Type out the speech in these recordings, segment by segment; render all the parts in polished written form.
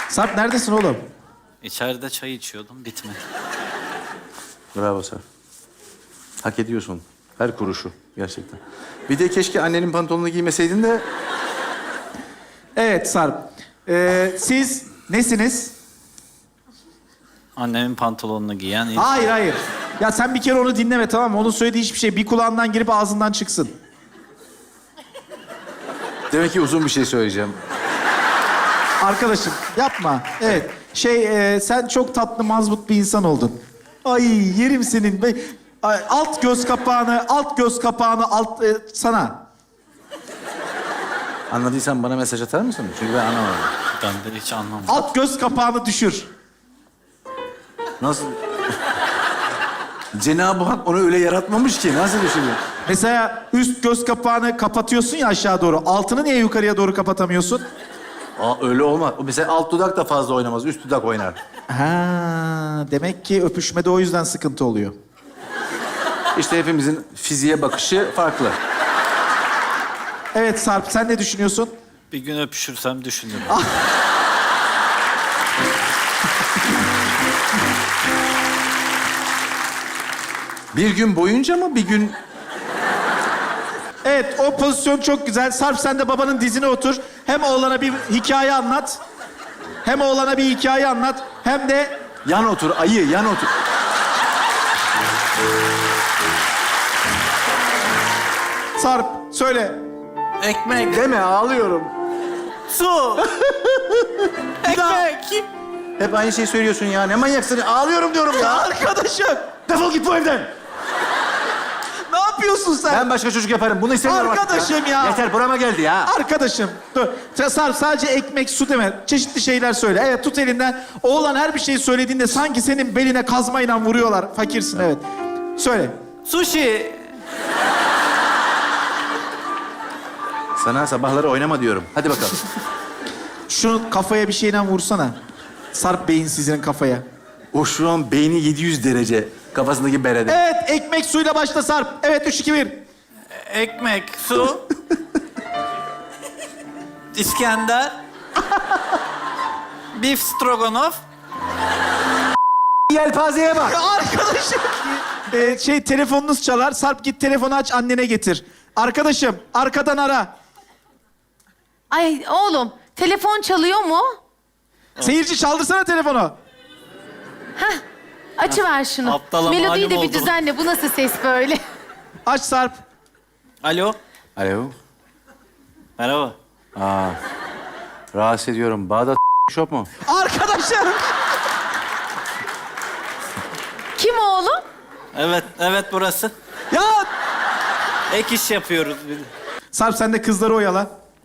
Sarp neredesin oğlum? İçeride çay içiyordum, bitmedi. Bravo Sarp. Hak ediyorsun. Her kuruşu gerçekten. Bir de keşke annenin pantolonunu giymeseydin de... Evet Sarp. Siz nesiniz? Annemin pantolonunu giyen ilk... Hayır hayır. Ya sen bir kere onu dinleme tamam mı? Onun söylediği hiçbir şey bir kulağından girip ağzından çıksın. Demek ki uzun bir şey söyleyeceğim. Arkadaşım yapma. Evet. Sen çok tatlı mazbut bir insan oldun. Ay yerim senin. Ay, alt göz kapağını sana. Anladıysan bana mesaj atar mısın? Çünkü ben anlamadım. Ben de hiç anlamadım. Alt göz kapağını düşür. Nasıl? Cenab-ı Hak onu öyle yaratmamış ki. Nasıl düşünüyor? Mesela üst göz kapağını kapatıyorsun ya aşağı doğru. Altını niye yukarıya doğru kapatamıyorsun? Aa, öyle olmaz. Mesela alt dudak da fazla oynamaz. Üst dudak oynar. Ha, demek ki öpüşmede o yüzden sıkıntı oluyor. İşte hepimizin fiziğe bakışı farklı. Evet Sarp, sen ne düşünüyorsun? Bir gün öpüşürsem düşünürüm. Bir gün boyunca mı, bir gün... Evet, o pozisyon çok güzel. Sarp sen de babanın dizine otur. Hem oğlana bir hikaye anlat. Hem de... Yan otur, ayı, yan otur. Sarp, söyle. Ekmek, Deme, ağlıyorum. su, ekmek. Hep aynı şeyi söylüyorsun ya. Ne manyaksın? Ağlıyorum diyorum ya. Arkadaşım, Defol git bu evden. ne yapıyorsun sen? Ben başka çocuk yaparım. Bunu istemiyorum artık Arkadaşım ya. Yeter, burama geldi ya. Arkadaşım, dur. Sarp sadece ekmek, su deme. Çeşitli şeyler söyle. Evet, tut elinden. Oğlan her bir şeyi söylediğinde sanki senin beline kazmayla vuruyorlar. Fakirsin, evet. Söyle. Sushi. Sana sabahları oynama diyorum. Hadi bakalım. Şunu kafaya bir şeyle vursana. Sarp beyinsizinin kafaya. O şu an beyni 700 derece. Kafasındaki berede. Evet, ekmek suyla başla Sarp. Evet, 3, 2, 1. Ekmek, su. İskender. Beef stroganoff. Yelpazeye bak. Arkadaşım. Telefonunuz çalar. Sarp git telefonu aç, annene getir. Arkadaşım, arkadan ara. Ay oğlum, telefon çalıyor mu? Seyirci çaldırsana telefonu. Açıver şunu. Aptala Melodiyi malum de bir oldum. düzenle. Bu nasıl ses böyle? Aç Sarp. Alo, Alo. merhaba. Rahatsız ediyorum. Bağdat Shop mu? Arkadaşım. Kim oğlum? Evet burası. Ya Ek iş yapıyoruz. Sarp sen de kızları oyala.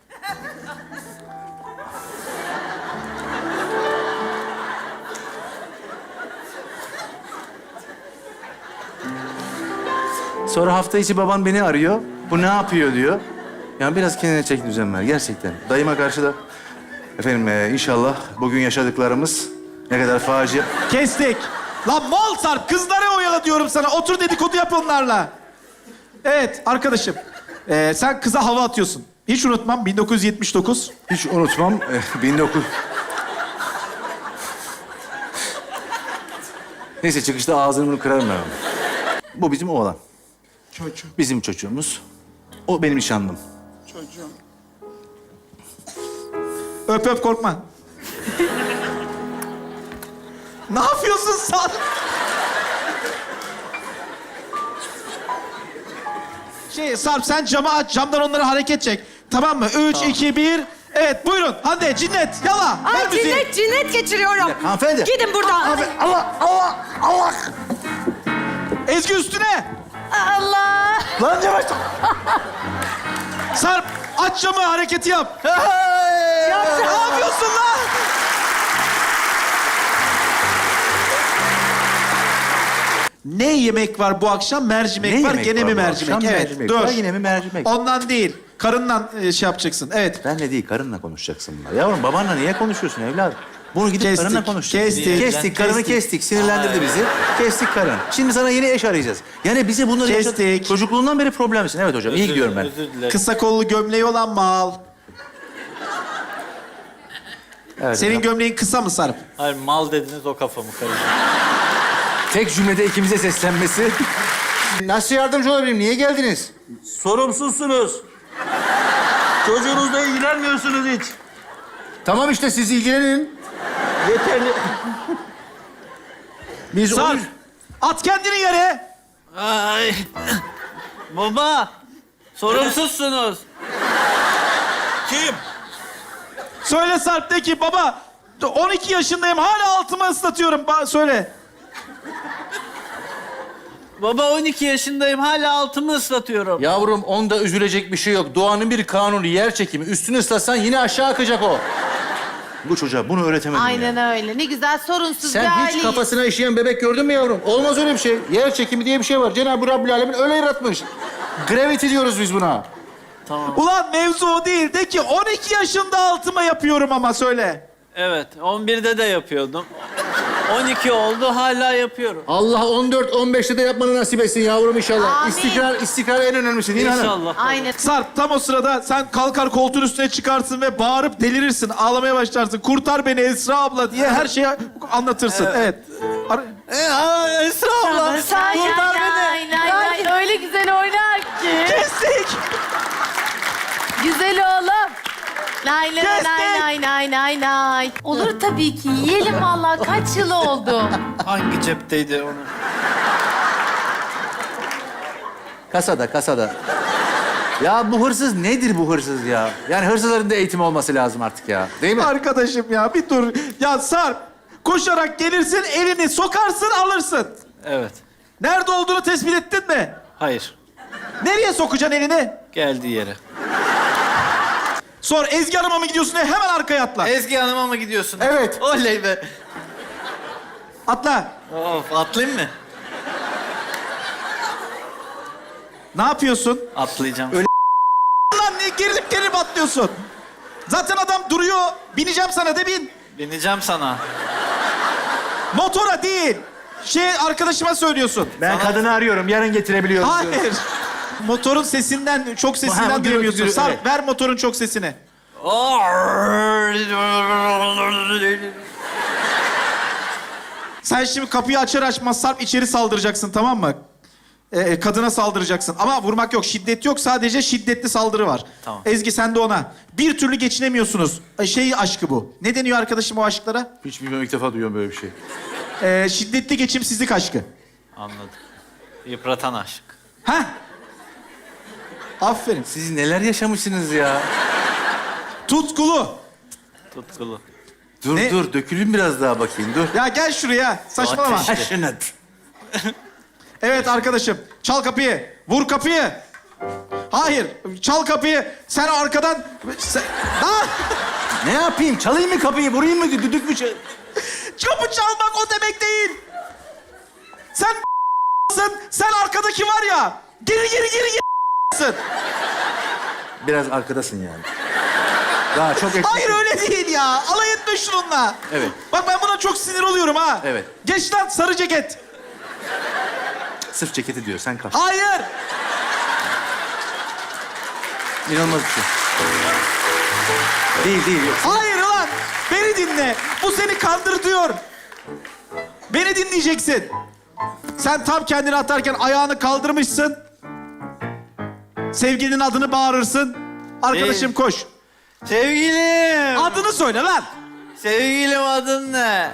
Sonra hafta içi baban beni arıyor. Bu ne yapıyor diyor. Yani biraz kendine çek düzen ver gerçekten. Dayıma karşı da... Efendim inşallah bugün yaşadıklarımız ne kadar facia... Kestik. Lan mal Sarp, kızları oyala diyorum sana. Otur dedikodu yap onlarla. Evet arkadaşım. Sen kıza hava atıyorsun. Hiç unutmam 1979. Hiç unutmam. 19... Neyse çıkışta ağzını bunu kırarım ben. Bu bizim oğlan. Çocuğum. Bizim çocuğumuz. O benim nişanlım. Çocuğum. Öp öp korkma. Ne yapıyorsun Sarp? Sarp sen camı aç, camdan onları hareket çek. Tamam mı? 3, 2, 1. Evet buyurun. Hande, cinnet, yala. Ver Ay müziği. cinnet geçiriyorum. Hanımefendi. Gidin buradan. Allah! Ezgi üstüne. Allah. Lan yavaş! Sarp aç camı, hareketi yap. Ne yapıyorsun lan? Ne yemek var bu akşam? Mercimek Ne var. yemek Gene var mi bu mercimek? akşam? Evet. Mercimek Dur. var, yine mi mercimek? Ondan değil. Karından şey yapacaksın. Evet. Benle değil, karınla konuşacaksın bunlar. Yavrum babanla niye konuşuyorsun evladım? Bunu gidip Kestik, karınla konuşacaksın. kestik, Karını kestik. kestik. Sinirlendirdi bizi. Kestik karın. Şimdi sana yeni eş arayacağız. Yani bize bunları Kestik. Çocukluğundan beri problemsin. Evet hocam, iyi gidiyorum ben. Özür dilerim. Kısa kollu gömleği olan mal. Evet, Senin hocam. gömleğin kısa mı Sarp? Hayır mal dediniz o kafamı karıştı. Tek cümlede ikimize seslenmesi. Nasıl yardımcı olabilirim? Niye geldiniz? Sorumsuzsunuz. Çocuğunuzla ilgilenmiyorsunuz hiç. Tamam işte siz ilgilenin. Yeterli. Biz Sarp, onu... at kendini yere. Ay. Baba. Sorumsuzsunuz. Kim? Söyle Sarp, de ki baba 12 yaşındayım hala altımı ıslatıyorum. Söyle. Baba 12 yaşındayım hala altımı ıslatıyorum. Yavrum onda üzülecek bir şey yok. Doğanın bir kanunu yer çekimi. Üstünü ıslatsan yine aşağı akacak o. Bu çocuğa bunu öğretemedim Aynen ya. öyle. Ne güzel sorunsuz bir Sen hiç aileyiz. kafasına işeyen bebek gördün mü yavrum? Olmaz öyle bir şey. Yer çekimi diye bir şey var. Cenab-ı Rabbül Alemin öyle yaratmış. Gravity diyoruz biz buna. Ulan mevzu o değil. De ki 12 yaşında altıma yapıyorum ama söyle. Evet 11'de de yapıyordum. 12 oldu hala yapıyorum. Allah 14-15'te de yapmanı nasip etsin yavrum inşallah. Amin. İstikrar en önemlisi değil mi hanım? İnşallah. Aynen. Sarp, tam o sırada sen kalkar koltuğun üstüne çıkarsın ve bağırıp delirirsin. Ağlamaya başlarsın. Kurtar beni Esra abla diye her şeyi anlatırsın. Evet. Esra abla. Sen Kurtar lay, lay, lay, lay. Öyle güzel oynar ki. Kestik. Güzel oğlum. Lay lay Kestik. lay lay lay lay lay. Olur tabii ki. Yiyelim vallahi. Kaç yıl oldu? Hangi cepteydi onu? Kasada. Ya bu hırsız nedir bu hırsız ya? Yani hırsızların da eğitimi olması lazım artık ya. Değil mi? Arkadaşım ya bir dur. Ya Sarp, koşarak gelirsin, elini sokarsın, alırsın. Evet. Nerede olduğunu tespit ettin mi? Hayır. Nereye sokacaksın elini? Geldiği yere. Sor, Ezgi Hanım'a mı gidiyorsun diye hemen arkaya atla. Ezgi Hanım'a mı gidiyorsun? Evet. Oley be. Atla. Of atlayayım mı? Ne yapıyorsun? Atlayacağım. Lan niye gerilip atlıyorsun? Zaten adam duruyor. Bineceğim sana de bin. Bineceğim sana. Motora değil. Arkadaşıma söylüyorsun. Ben kadını arıyorum. Yarın getirebiliyorum. diyorum. Hayır. Motorun sesinden, çok Ha, sesinden bu duyamıyorsun. gürültü, Sarp, evet. ver motorun çok sesini. Sen şimdi kapıyı açar açmaz Sarp içeri saldıracaksın, tamam mı? Kadına saldıracaksın. Ama vurmak yok, şiddet yok. Sadece şiddetli saldırı var. Tamam. Ezgi sen de ona. Bir türlü geçinemiyorsunuz. Aşkı bu. Ne deniyor arkadaşım o aşklara? Hiç bilmiyorum. İlk defa duyuyorum böyle bir şey. Şiddetli geçimsizlik aşkı. Anladım. Yıpratan aşk. Heh. Aferin. Siz neler yaşamışsınız ya? Tutkulu. Tutkulu. Dur Ne? dur. Dökülün biraz daha bakayım. Dur. Ya gel şuraya. Saçmalama. Ateş. Passionate. Evet arkadaşım. Çal kapıyı. Vur kapıyı. Hayır. Çal kapıyı. Sen arkadan... Ah! Ne yapayım? Çalayım mı kapıyı? Vurayım mı? Düdük mü? Kapı çalmak o demek değil. Sen arkadaki var ya. Geri. Biraz arkadasın yani. Daha çok eksik. Hayır öyle değil ya. Alay etme şununla. Evet. Bak ben buna çok sinir oluyorum ha. Evet. Geç lan sarı ceket. Sırf ceketi diyor. Sen kaç. Hayır. İnanılmaz bir şey. Değil. Yok. Hayır ulan. Beni dinle. Bu seni kandırtıyor. Beni dinleyeceksin. Sen tam kendini atarken ayağını kaldırmışsın. Sevgilinin adını bağırırsın. Arkadaşım koş. Sevgilim. Adını söyle lan. Sevgilim adın ne?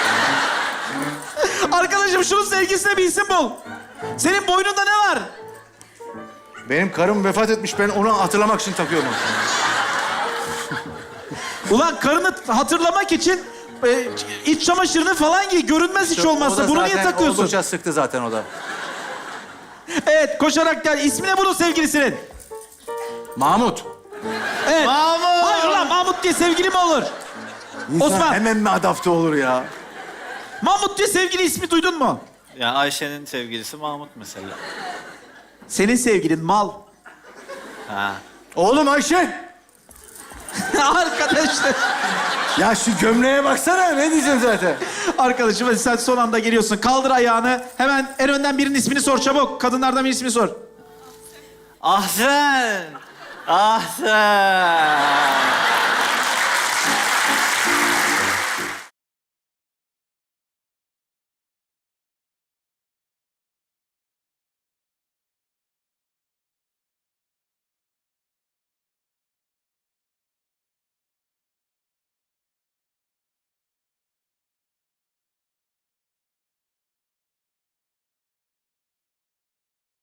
Arkadaşım şunun sevgilisine bir isim bul. Senin boynunda ne var? Benim karım vefat etmiş. Ben onu hatırlamak için takıyorum. Ulan karını hatırlamak için iç çamaşırını falan giy. Görünmez hiç olmazsa. Bunu niye takıyorsun? Oldukça sıktı zaten o da. Evet, koşarak gel. İsmi ne bunun sevgilisinin? Mahmut. Evet. Mahmut. Hayır ulan Mahmut diye sevgili mi olur? İnsan Osman. hemen mi adapte olur ya? Mahmut diye sevgili ismi duydun mu? Ya Ayşe'nin sevgilisi Mahmut mesela. Senin sevgilin mal. Ha. Oğlum Ayşe. Arkadaşlar. Ya şu gömleğe baksana. Ne diyeceksin zaten? Arkadaşım hadi sen son anda geliyorsun. Kaldır ayağını. Hemen en önden birinin ismini sor çabuk. Kadınlardan birinin ismini sor. Ahsen. Ahsen.